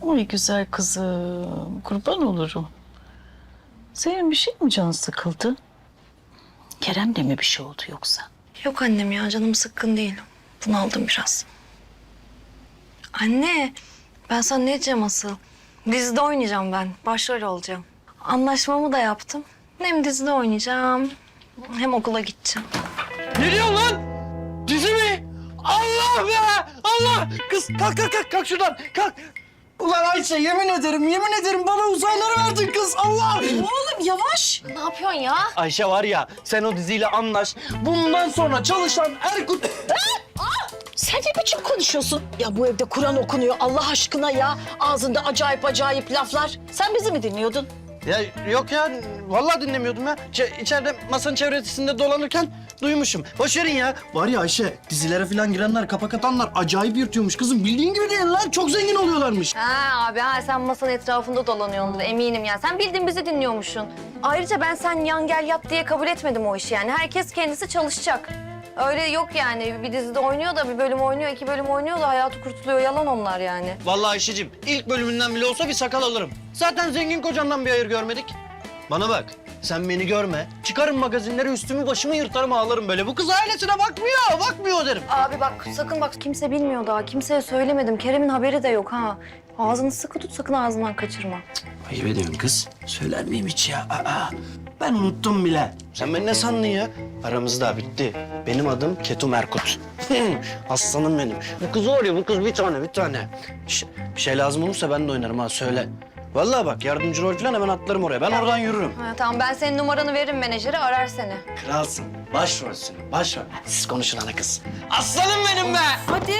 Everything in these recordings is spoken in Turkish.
Oy güzel kızım, kurban olurum. Senin bir şey mi canın sıkıldı? Kerem'le mi bir şey oldu yoksa? Yok annem ya, canım sıkkın değil. Bunaldım biraz. Anne, ben sana ne diyeceğim asıl? Dizide oynayacağım ben. Başrol olacağım. Anlaşmamı da yaptım. Hem dizide oynayacağım, hem okula gideceğim. Ne diyorsun lan? Dizi mi? Allah be! Allah! Kız kalk şuradan kalk. Ulan Ayşe yemin ederim bana uzayları verdin kız Allah! Oğlum yavaş. Ne yapıyorsun ya? Ayşe var ya sen o diziyle anlaş. Bundan sonra çalışan Erkut... Sen ne biçim konuşuyorsun? Ya bu evde Kur'an okunuyor Allah aşkına ya. Ağzında acayip laflar. Sen bizi mi dinliyordun? Ya yok ya vallahi dinlemiyordum ya. İçeride masanın çevresinde dolanırken duymuşum. Boş verin ya. Var ya Ayşe dizilere falan girenler kapak atanlar acayip yırtıyormuş kızım. Bildiğin gibi değil lan çok zengin oluyorlarmış. Ha abi sen masanın etrafında dolanıyorsun eminim ya. Sen bildiğin bizi dinliyormuşsun. Ayrıca ben sen yan gel yat diye kabul etmedim o işi yani. Herkes kendisi çalışacak. Öyle yok yani. Bir dizide oynuyor da bir bölüm oynuyor, 2 bölüm oynuyor da hayatı kurtuluyor. Yalan onlar yani. Vallahi Ayşe'cim ilk bölümünden bile olsa bir sakal alırım. Zaten zengin kocamdan bir hayır görmedik. Bana bak sen beni görme. Çıkarım magazinlere üstümü başımı yırtarım ağlarım böyle. Bu kız ailesine bakmıyor derim. Abi bak sakın bak kimse bilmiyor daha. Kimseye söylemedim. Kerem'in haberi de yok ha. Ağzını sıkı tut sakın ağzından kaçırma. Ayıp ediyorsun kız. Söyler miyim hiç ya? Ben unuttum bile. Sen beni ne sandın ya? Aramız daha bitti. Benim adım Ketum Erkut. Aslanım benim. Bu kız var ya bu kız bir tane. Bir şey lazım olursa ben de oynarım ha söyle. Vallahi bak yardımcı rol falan hemen atlarım oraya. Ben oradan yürürüm. Ha, tamam ben senin numaranı veririm menajere arar seni. Kralsın. Başrolsün. Başrol. Siz konuşun ana kız. Aslanım benim be! Hadi.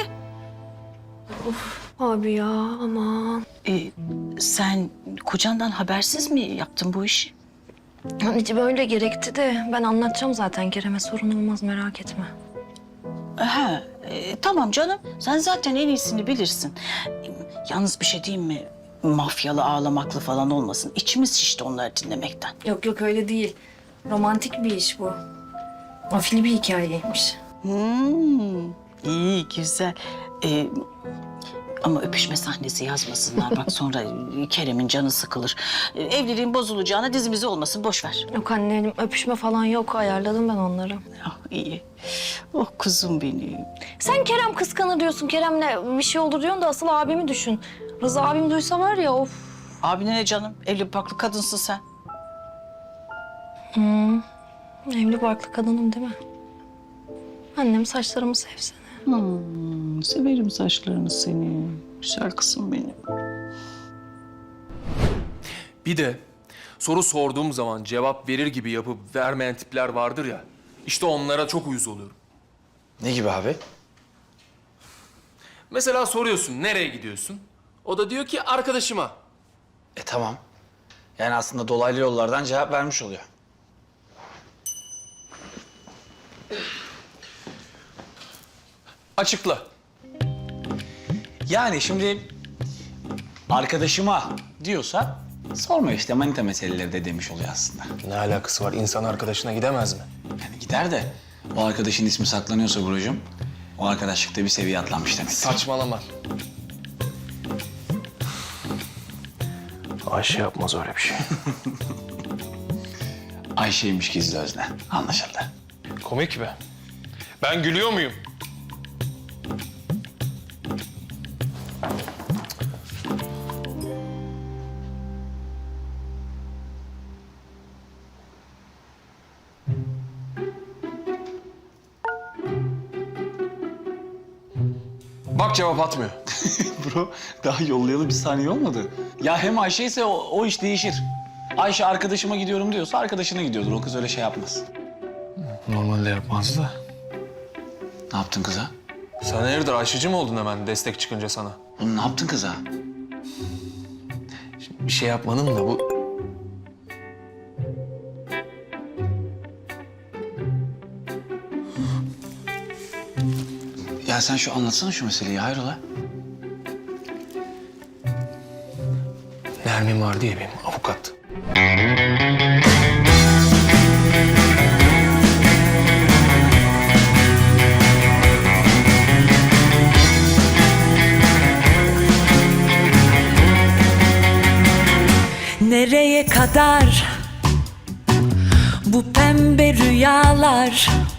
Abi ya aman. Sen kocandan habersiz mi yaptın bu işi? Anneciğim öyle gerekti de ben anlatacağım zaten Kerem'e sorun olmaz merak etme. Tamam canım. Sen zaten en iyisini bilirsin. Yalnız bir şey diyeyim mi? Mafyalı, ağlamaklı falan olmasın. İçimiz şişti onları dinlemekten. Yok öyle değil. Romantik bir iş bu. Afili bir hikayeymiş. İyi, güzel. Ama öpüşme sahnesi yazmasınlar. Bak sonra Kerem'in canı sıkılır. Evliliğin bozulacağına dizimizi olmasın. Boş ver. Yok annem öpüşme falan yok ayarladım ben onları. Ah, iyi. Oh kuzum benim. Sen Kerem kıskanır diyorsun. Kerem'le bir şey olur diyorsun da asıl abimi düşün. Rıza abim duysa var ya of. Abine ne canım? Evli barklı kadınsın sen. Evli barklı kadınım değil mi? Annem saçlarımı sevsene. Severim saçlarını seni. Güzel kızım benim. Bir de soru sorduğum zaman cevap verir gibi yapıp vermeyen tipler vardır ya. İşte onlara çok uyuz oluyorum. Ne gibi abi? Mesela soruyorsun nereye gidiyorsun? O da diyor ki arkadaşıma. Tamam. Yani aslında dolaylı yollardan cevap vermiş oluyor. Açıkla. Yani şimdi arkadaşıma diyorsa sorma işte manita meseleleri de demiş oluyor aslında. Ne alakası var? İnsan arkadaşına gidemez mi? Yani gider de o arkadaşın ismi saklanıyorsa Buracığım, o arkadaşlıkta bir seviye atlanmış demek. Saçmalama. Ayşe yapmaz öyle bir şey. Ayşe'ymiş gizli özne. Anlaşıldı. Komik be. Ben gülüyor muyum? Bak cevap atmıyor. Bro daha yollayalı bir saniye olmadı. Ya hem Ayşe ise o iş değişir. Ayşe arkadaşıma gidiyorum diyorsa arkadaşına gidiyordur. O kız öyle şey yapmaz. Normalde yapmazdı da. Ne yaptın kıza? Sen hayırdır Ayşe'cim mi oldun hemen destek çıkınca sana? Oğlum ne yaptın kıza? Bir şey yapmanın da bu... Ya sen şu anlatsana şu meseleyi hayrola? Nermin var diye benim avukat. Nereye kadar bu pembe rüyalar?